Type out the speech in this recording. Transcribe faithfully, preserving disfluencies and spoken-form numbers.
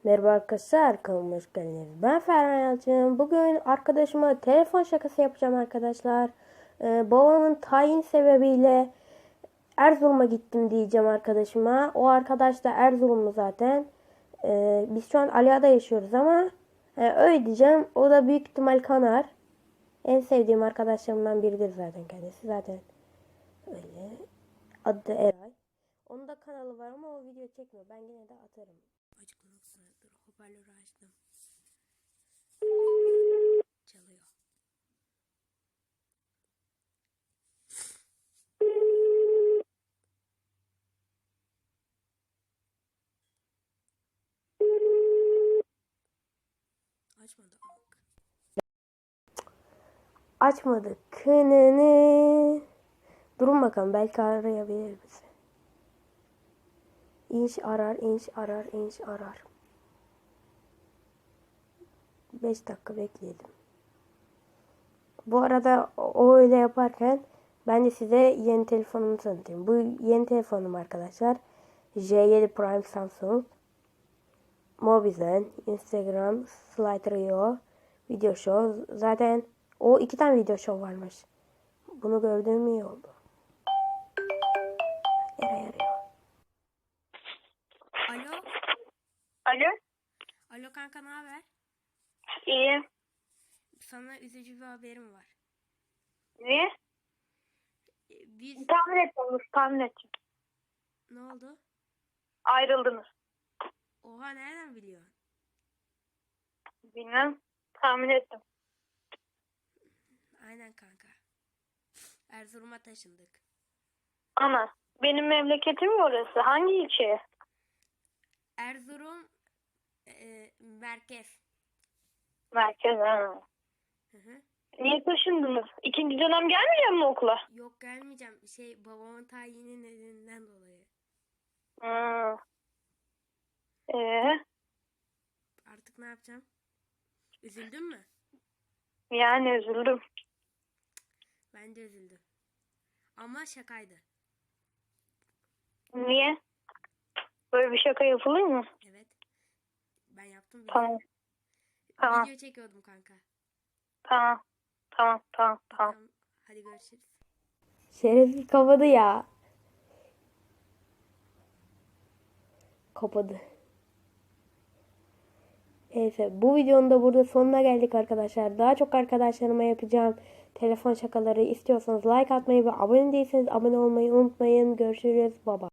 Merhaba arkadaşlar, kanalıma hoş geldiniz. Ben Ferhan Yalçın. Bugün arkadaşıma telefon şakası yapacağım arkadaşlar. Ee, babamın tayin sebebiyle Erzurum'a gittim diyeceğim arkadaşıma. O arkadaş da Erzurumlu zaten. Ee, biz şu an Aliağa'da yaşıyoruz ama e, öyle diyeceğim. O da büyük ihtimal kanar. En sevdiğim arkadaşlarımdan biridir zaten kendisi. Zaten öyle. Adı da Eray. Onun da kanalı var ama o video çekmiyor. Ben yine de atarım. Açıklamak dur. Hoparlörü açtım. Çalıyor. Açmadı. Açmadı. Kınını. Durun bakalım. Belki arayabilir bizi. İnş arar, inş arar, inş arar. beş dakika bekleyelim. Bu arada o öyle yaparken ben de size yeni telefonumu tanıtayım. Bu yeni telefonum arkadaşlar. J yedi Prime Samsung. Mobizen, Instagram, Slider.io, Video Show. Zaten o iki tane video show varmış. Bunu gördüğüm iyi oldu. Eray arıyor. Alo. Alo. Alo kanka, ne haber? İyi. Sana üzücü bir haberim var. Ne? Biz... Tahmin ettim. Tahmin ettim. Ne oldu? Ayrıldınız. Oha, nereden biliyorsun? Bilmem. Tahmin ettim. Aynen kanka. Erzurum'a taşındık. Ana. Benim memleketim mi orası? Hangi ilçe? Erzurum e, merkez. Merkez. Ha. Hı hı. Niye taşındınız? İkinci dönem gelmeyecek mi okula? Yok, gelmeyeceğim. Şey, babamın tayini nedeninden dolayı. Hmm. Ee, Artık ne yapacağım? Üzüldün mü? yani üzüldüm. Ben de üzüldüm. Ama şakaydı. Niye? Böyle bir şaka yapılır mı? Evet. Ben yaptım. Video. Tamam. Tamam. Video çekiyordum kanka. Tamam. Tamam. Tamam. Tamam. Tamam. Hadi görüşürüz. Şerefsiz kapadı ya. Kapadı. Neyse, bu videonun da burada sonuna geldik arkadaşlar. Daha çok arkadaşlarıma yapacağım telefon şakaları istiyorsanız like atmayı ve abone değilseniz abone olmayı unutmayın. Görüşürüz. Baba.